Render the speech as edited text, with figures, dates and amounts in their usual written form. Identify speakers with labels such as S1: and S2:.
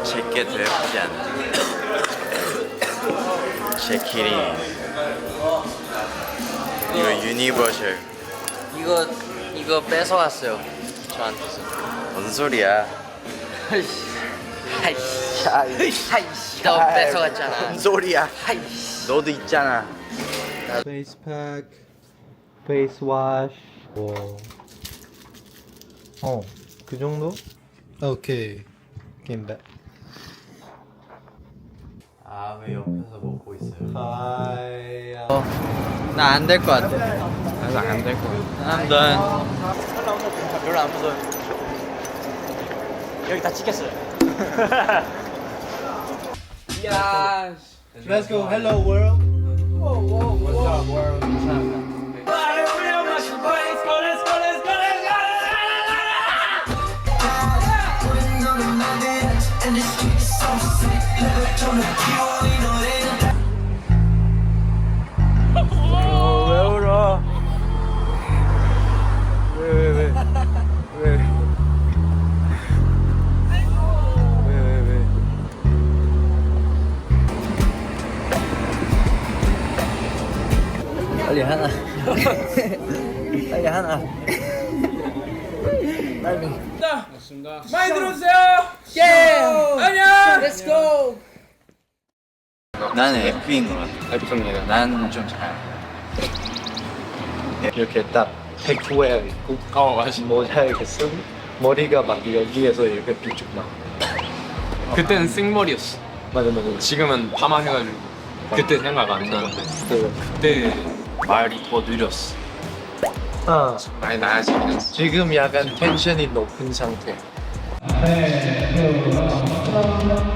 S1: 제게 더 예쁘지 않아? 제 키링. 이거 유니버셜.
S2: 이거 뺏어갔어요 저한테서.
S1: 뭔 소리야?
S2: 하이씨 너 뺏어갔잖아.
S1: 뭔 소리야?
S2: 하이씨.
S1: 너도 있잖아.
S3: Face pack, face wash. 그 정도? 오케이. Came back.
S1: 아, 왜 옆에서 먹고 있어요?
S3: Hi.
S2: 나 안 될 것 같아.
S1: 나도 안 될 거 같아.
S2: I'm done.
S4: 별로 안 무서워요. 여기 다 찍혔어요.
S2: 야.
S3: Let's go. Hello world.
S1: 왜 울어? 왜?
S2: 빨리 하나. 빨리 하나.
S4: 많이 들어주세요.
S2: 예.
S4: 안녕.
S2: Let's go.
S1: 난 F인 것 같아.
S3: F입니다.
S1: 난 좀 잘.
S3: 이렇게 딱 백후에 있고,
S4: 맞아.
S3: 모자 이렇게 쓰고, 머리가 막 여기에서 이렇게 비쭉 나.
S4: 그때는 생머리였어.
S3: 맞아.
S4: 지금은 파마해가지고 그때 생각 안 나는데 그때 말이 더 느렸어. 많이 나아지긴 했어.
S3: 지금 약간 텐션이 높은 상태.